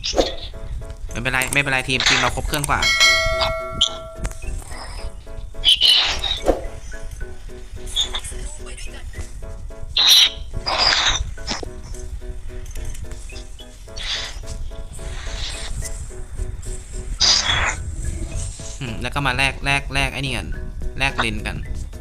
ไม่เป็นไรไม่เป็นไรทีมเราครบเครื่องกว่าแล้วก็มาแลกไอ้นี่กันแลกเลนกัน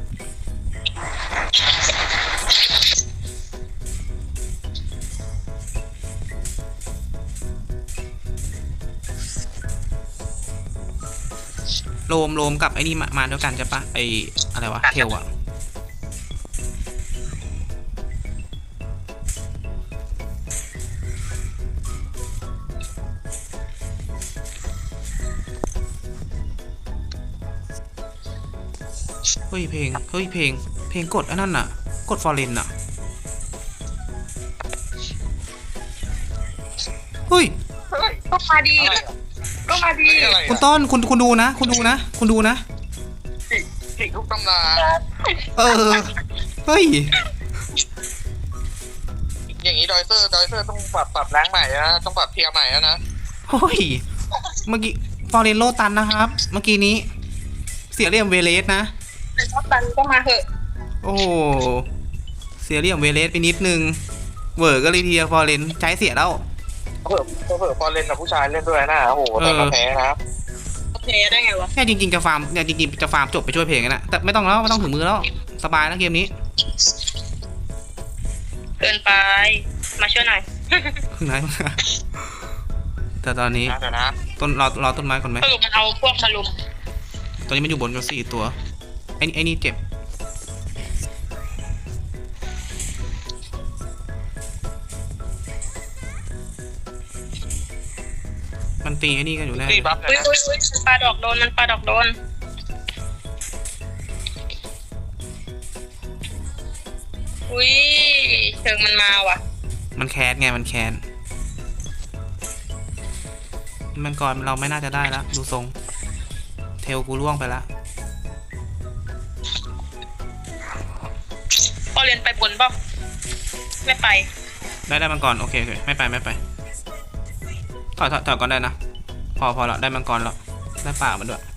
โลมกับไอ้นี่มาด้วยกันใช่ปะไออะไรวะเทลอะเฮ้ยเพลงกดอันนั้นน่ะกดฟอร์เรนน่ะเฮ้ยก็มาดีก็มาดีคุณต้นคุณดูนะคุณดูนะผิดทุกตำราเฮ้ยอย่างนี้ดอยเซอร์ต้องปรับแรงใหม่นะต้องปรับเทียร์ใหม่แล้วนะเฮ้ยเมื่อกี้ฟอร์เรนโลตันนะครับเมื่อกี้นี้เสียเหลี่ยมเวเลสนะโลตันก็มาเถอะโอ้เสียเหลี่ยมเวเลสไปนิดนึงเวอร์ก็เลยเทียฟอร์เรนใช้เสียแล้วเผื่อพอเล่นกับผู้ชายเล่นด้วยนะโอ้โหแต่ก็แพ้นะแพ้ได้ไงวะแค่จริงๆจะฟาร์มจบไปช่วยเพลงนะแต่ไม่ต้องแล้วไม่ต้องถึงมือแล้วสบายแล้วเกมนี้เกินไปมาช่วยหน่อยพึ่งไหนแต่ตอนนี้ต้นรอต้นไม้ก่อนไหมสรุปมันเอาพวกมาลุมตอนนี้มันอยู่บนกัน4 ตัวไอ้นี่เจ็บมันตีไอ้นี่กันอยู่แน่อุ้ยปลาดอกโดนมันปลาดอกโดนอุ้ยเชิงมันมาว่ะมันแคสไงมันแคสมันก่อนเราไม่น่าจะได้แล้วดูทรงเทลกูล่วงไปละพอเรียนไปบนป่ะไม่ไปได้มังกรโอเคไม่ไปถอยก่อนได้นะพอแล้วได้มังกรแล้วได้ป่ามันด้วย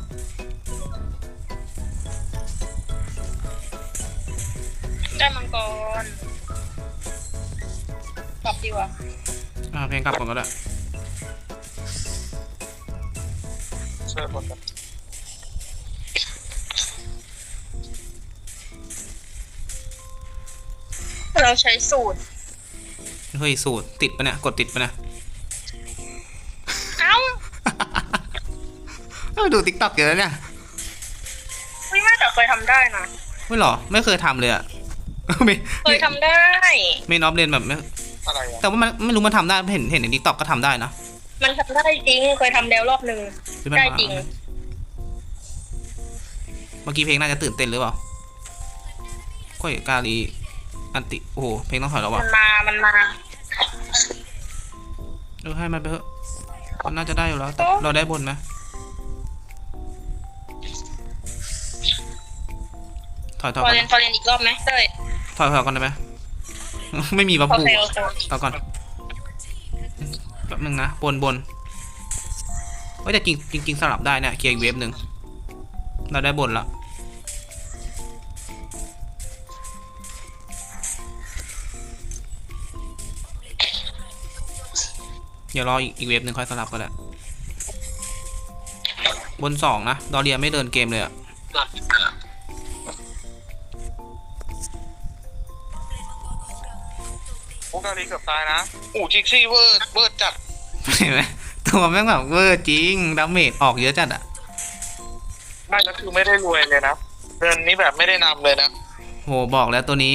ได้มังกรกลับดีกว่าเพลงกลับก่อนก็ได้ช่วยหมดเราใช้สูตรเฮ้ยสูตรติดปะเนี่ยกดติดปะเนี่ยดูติ๊กต็อกเยอะเนี่ยไม่แต่เคยทำได้นะไม่หรอไม่เคยทำเลยอะเคยทำได้ไม่นอบเรียนแบบไม่อะไรแต่ว่ามันไม่รู้มันทำได้เห็นในติ๊กต็อกก็ทำได้นะมันทำได้จริงเคยทำแล้วรอบนึงได้จริงเมื่อกี้เพลงน่าจะตื่นเต้นหรือเปล่าค่อยกาลีอันติโอ้โหเพลงต้องถอยแล้ววะมันมาให้มันไปเถอะมันน่าจะได้อยู่แล้วแต่เราได้บนไหมถอยพอเรียนอีกรอบไหมเต้ยถอยก่อนได้ไหมไม่มีบัฟฟูต่อก่อนแป๊บนึงนะบนว่าจะจริงสลับได้เนี่ยเคลียร์อีกเวฟหนึ่งเราได้บนละเดี๋ยวรออีกเวฟหนึ่งค่อยสลับก็ได้บน2นะดอเรียไม่เดินเกมเลยอะโอกาลีเกือบตายนะจิกซี่เวอร์จัดเห็นไหมตัวแม่งแบบเวอร์จริงดาเมจออกเยอะจัดอะไม่ก็คือไม่ได้รวยเลยนะเดือนนี้แบบไม่ได้นำเลยนะโหบอกแล้วตัวนี้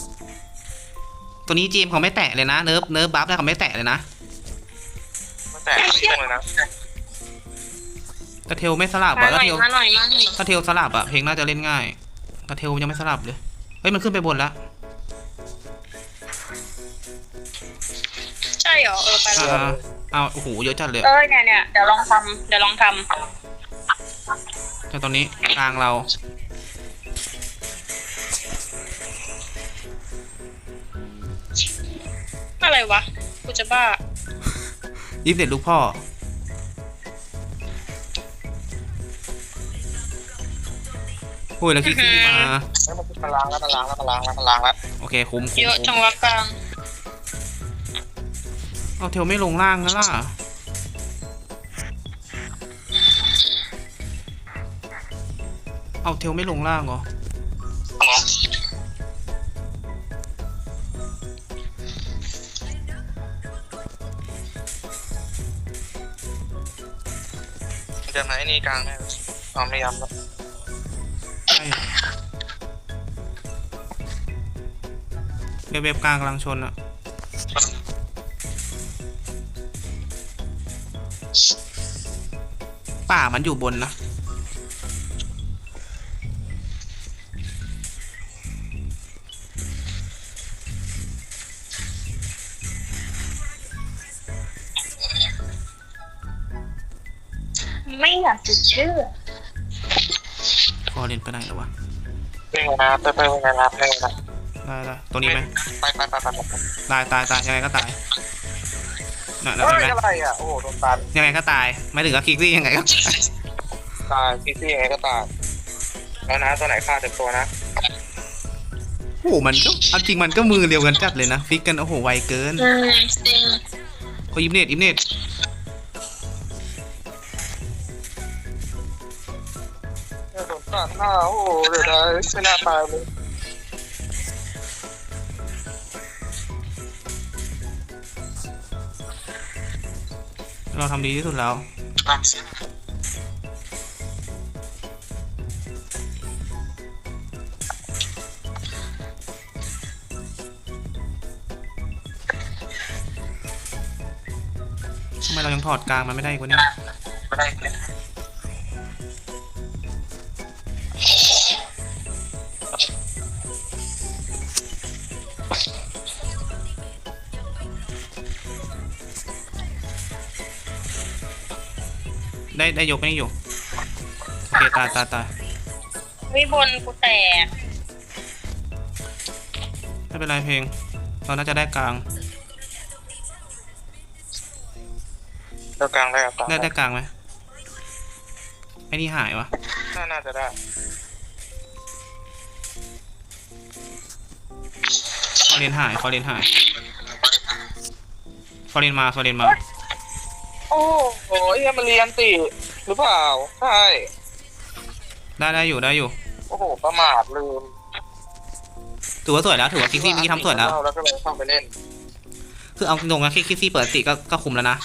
จีมเขาไม่แตะเลยนะเนิร์ฟบัฟแล้วเขาไม่แตะเลยนะแต่เลยนะกระเทลไม่สลับอ่ะกระเทลสลับอ่ะเพลงน่าจะเล่นง่ายกระเทลยังไม่สลับเลยเฮ้ยมันขึ้นไปบนแล้วใช่เหรอไปเลยเอาโอ้โหเยอะจัดเลยเนี่ยเดี๋ยวลองทำแต่ตอนนี้กลางเราอะไรวะกูจะบ้ายิบเด็ดลูกพ่อโอ้ยแล้วคิกซี่มาเฮ้ยมันล้างแล้วมันล้างแล้วมันล้างแล้วมันล้างแล้วโอเคคุ้มเยอะจังวะกลางเอาเทลไม่ลงล่างนะล่ะเอาเทลไม่ลงล่างเหรอจะไหนนี่กลางแน่เอาไม่ย้ำแล้วใช่เว็บกลางกำลังชนอะป่ามันอยู่บนนะไม่อยากจะเชื่อพอเรียนไปไหนแล้ววะไม่ไงนะไปไงนะไม่ไงนะได้ตัวนี้ไหมไปตายยังไงก็ตายน่ะแล้วเฮ้เห็นยไหมอะไรอ่ะโอ้โหโดนตันยังไงก็ตายไม่ถึงกับคิกซี่ยังไงก็ตายตายพี่ยังไงก็ตายแล้วนะตัวไหนฆ่าเต็มตัวนะโอ้โหมันก็เอาจริงมันก็มือเดียวกันจัดเลยนะฟิกกันโอ้โหไวเกินจริงโอ้ยอิมเนตโดนตันหน้าโอ้โหเดี๋ยวนะไม่น่าตายเลยเราทำดีที่สุดแล้วทำไมเรายังถอดกลางมันไม่ได้อีกวะเนี่ยไม่ได้ได้ยกไม่อยู่โอเคตายวิบนกูแตกไม่เป็นไรเพลงเราน่าจะได้กลางตัวกลางได้ครับได้กลางไหมไอ้นี่หายวะน่าจะได้ฟอเรนหายฟอเรนมาโอ้โหมันเรียนติหรือเปล่าใช่ได้อยู่โอ้โหประมาทลืมถือว่าสวยแล้วถือว่าคิกซี่เมื่อกี้ทำสวยแล้วแล้วก็เลยเข้าไปเล่นคือเอาตรงๆนะคิกซี่เปิดติก็คุมแล้วนะ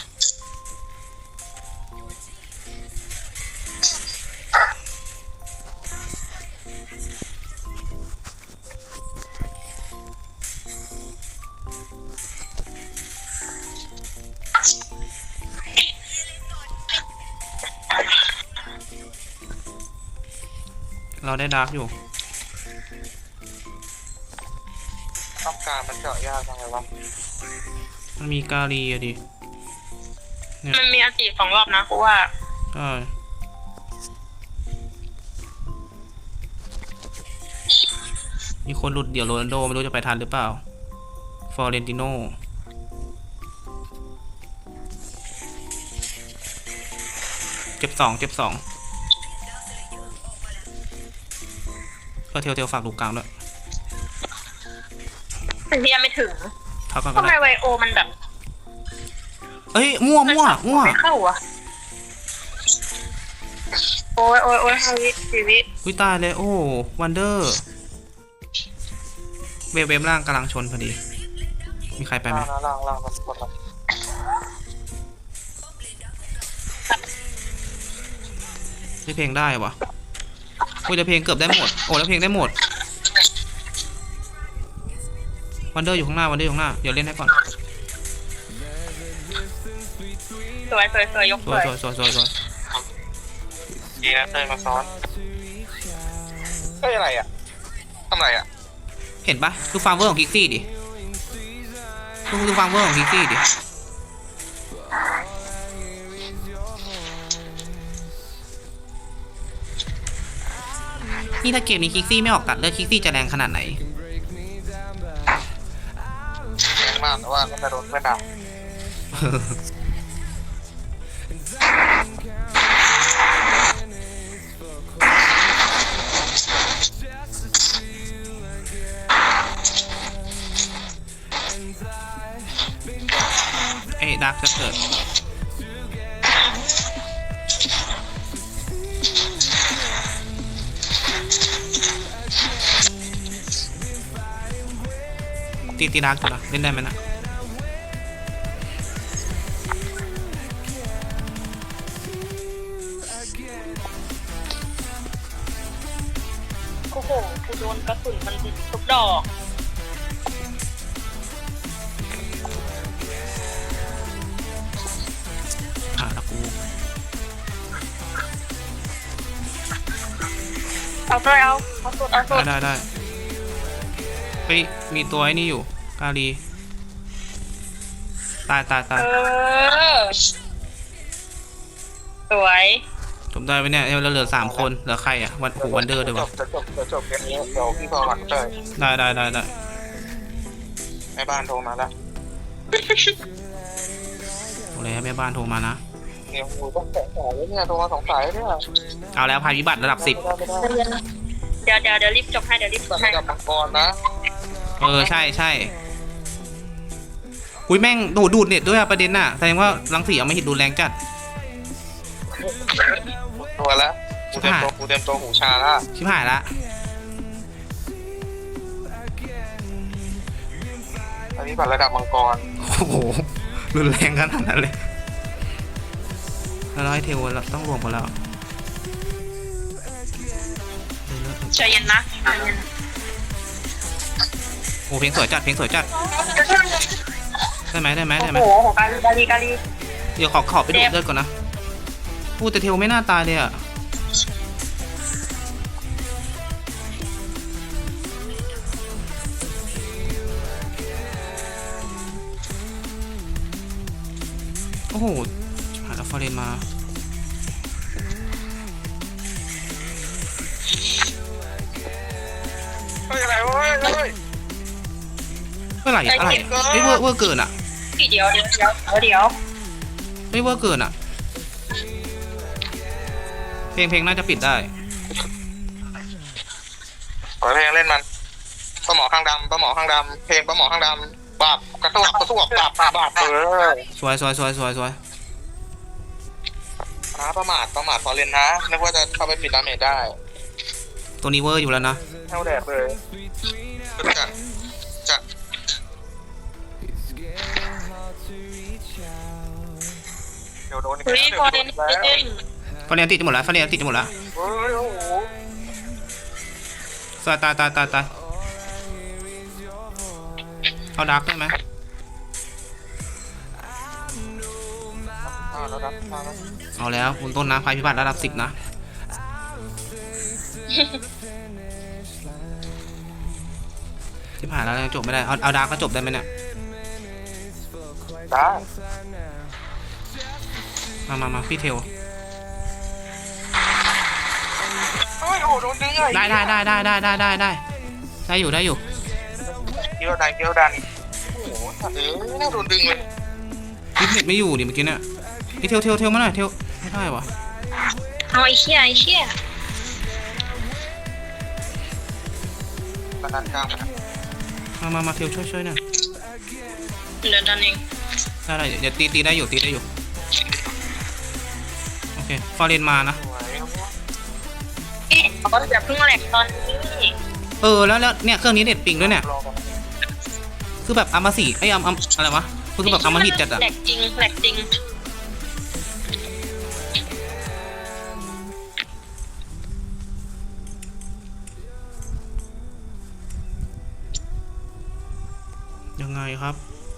เราได้ดาร์กอยู่ต้องการมันเจาะยากจังเลยวะมันมีกาลีอะดิมันมีอันตี2 รอบนะกูว่าใช่มีคนหลุดเดี๋ยวโรนัลโดไม่รู้จะไปทันหรือเปล่าฟอเรนติโนเจ็บสองก็เทลฝากลูกกลางด้วยแต่ที่ยังไม่ถึงพักก่อนก็ทำไมได้ไวโอมันแบบเอ้ยมั่วไม่เข้าอ่ะโอ้ยชีวิตอุ้ยตายเลยโอ้วันเดอร์เวฟล่างกำลังชนพอดีมีใครไปไหมล่างมันกดละที่เพลงได้วะอุ้ยแต่เพลงเกือบได้หมดโอ้แล้วเพลงได้หมดวันเดอร์อยู่ข้างหน้าเดี๋ยวเล่นให้ก่อนสวยยกสสววย ยดีนะเต้ยมาซ้อนเฮ้ยอะไรอ่ะทำอะไรอ่ะเห็นปะดูฟาร์มเวอร์ของคิกซี่ดิดูฟาร์มเวอร์ของคิกซี่ดินี่ถ้าเกมนี้คิกซี่ไม่ออกตัดเลือดคิกซี่จะแรงขนาดไหนแรงมากแต่ว่าก็จะโดนไม่ด่าจะเกิดตีดาร์กตัวละเล่นได้ไหมนะโอ้โหกูโดนกระสุนมันทุกดอกแล้วกูเอาตัวเอาสุดได้เฮ้ยมีตัวไอ้นี่อยู่กาลีตายสวยจบได้ไหมเนี่ยเราเหลือ3 คนเหลือใครอ่ะวันเดอร์ด้วยวะจะจบเกมนี้เดี๋ยวพี่พอหลังเจอได้แม่บ้านโทรมาแล้วโอ้ยแม่บ้านโทรมานะเนี่ยกูต้องแตะสายเนี่ยโทรมา2 สายเนี่ยเอาแล้วภัยพิบัติระดับ 10 เดี๋ยวรีบจบให้เดี๋ยวรีบจบให้กับมังกรนะใช่อุ้ยแม่งดูดเน็ตด้วยอะประเด็นน่ะแสดงว่ารังสีเอาไม่หิดดูแรงจัดตัวแล้วกูเต็มตัวหูชาละชิบหายละอันนี้บัตรระดับมังกรโอ้โหรุนแรงขนาดนั้นเลยแล้วให้เทวเราต้องรวมกันแล้วใจเย็นนะโอ้เพลงสวยจัดได้ไหมโอ้โหกาลีเดี๋ยวขอไปดูดเลือดก่อนนะพูดแต่เทวไม่น่าตายเลยอะโอ้โหหาแล้วฟอเรนมาอะไรวะเฮ้ยเมื่อไหร่อะไรเฮ้ยเวอร์เกินอะเดี๋ยวเฮ้ยเวอร์เกินอะเพลงน่าจะปิดได้ขอเพลงเล่นมันปลาหมอข้างดำเพลงปลาหมอข้างดำบาปกระตุ้บาปสวยนะประมาทพอเล่นนะนึกว่าจะเข้าไปปิดดาเมจได้ตัวนี้เวอร์อยู่แล้วนะเท่าแดดเลยจะเดี๋ยวโดนเฮ้ยพอเล่นฟอเรนติดหมดแล้วเฮ้ยโอ้โหตายเอาดาร์กได้ไหมเอาแล้วคุณต้นนะภัยพิบัติระดับ 10 นะที่ผ่านแล้วยังจบไม่ได้เอาดาร์กก็จบได้ไหมเนี่ยได้มาพี่เทลโอ้โหโดนดึงเลยได้อยู่เกี่ยวดันโอ้โหน่าโดนดึงเลยพี่เน็ตไม่อยู่ดิเมื่อกี้เนี่ยพี่เทลมาหน่อยเทลไม่ได้วะเอาไอ้เชี่ยกระดานกลางมาเทลช่วยหน่อยเดี๋ยวดันเองได้เดี๋ยวตีได้อยู่โอเคฟอเรนมานะเขาจะเพิ่งแหลกตอนนี้แล้วเนี่ยเครื่องนี้เน็ตปิงด้วยเนี่ยคือแบบอามาสีไอ้อะไรวะคือแบบอามาหิดจัดอะแหลกจริงยังไงครับ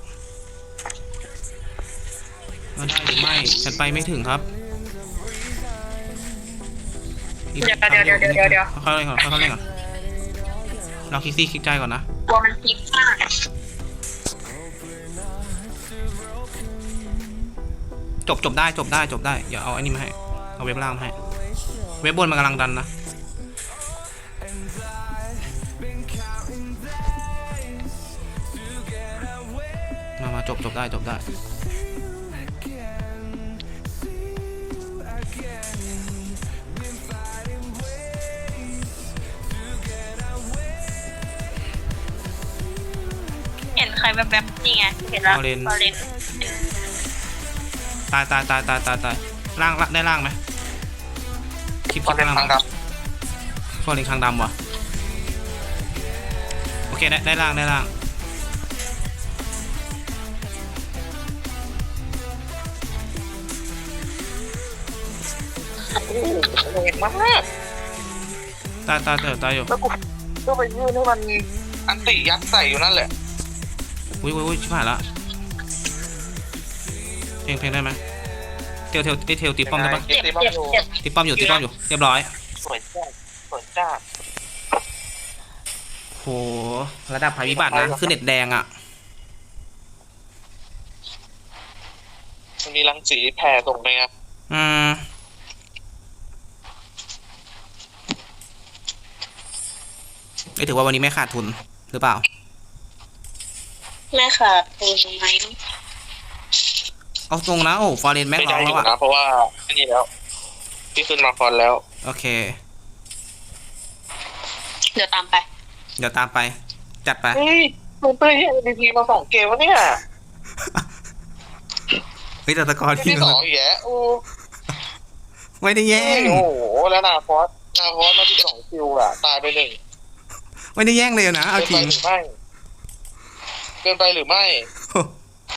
เราได้หรือไม่ฉันไปไม่ถึงครับเดี๋ยวเข้าเล่นก่อนเราคิดซี่คิดใจก่อนนะกลัวมันพลิกมากจบได้อย่าเอาอันนี้มาให้เอาเว็บล่างมาให้เว็บบนมันกำลังดันนะมาจบได้เห็นใครแบบนี่ไงเห็นแล้วพอเล่นตายล่างได้ล่างไหมคลิปตอนเป็นล่างทางดฟอร์เรนคางดำวะโอเคได้ล่างำโอ้โหแรงมากตายอยู่แล้วกูก็ไปยื่นให้มันอันติยัดใส่อยู่นั่นแหละอุ้ยชิบหายละเพลงได้ไหมเทลตีป้อมได้ปะเจ็บเจ็บตีป้อมอยู่เรียบร้อยสวยจ้าโหระดับภัยพิบัตินะคือเน็ตแดงอ่ะมันมีรังสีแผ่ส่งไปไงถือว่าวันนี้ไม่ขาดทุนหรือเปล่าแม่ค่ะเป็นไหมเอาตรงนะโอ้ฟอร์เรนแม็กไม่ร้ได้องอแล้วยู่อ่ะนะเพราะว่าอันนี้แล้วพี่ขึ้นมาฟอนแล้วโอเคเดี๋ยวตามไปเดี๋ยวตามไปจัดไปเฮ้ยมันเต้ยให้ MVP มา2 เกมวะเนี่ยเฮ้ยแต่ตะกอนที่ที่ 2อีกแล้วโอ้ไม่ได้แย่งโหแล้วนาฟอสมา12 คิวอ่ะตายไป1 ไม่ได้แย่งเลยนะเอาจริงเกินไปหรือไม่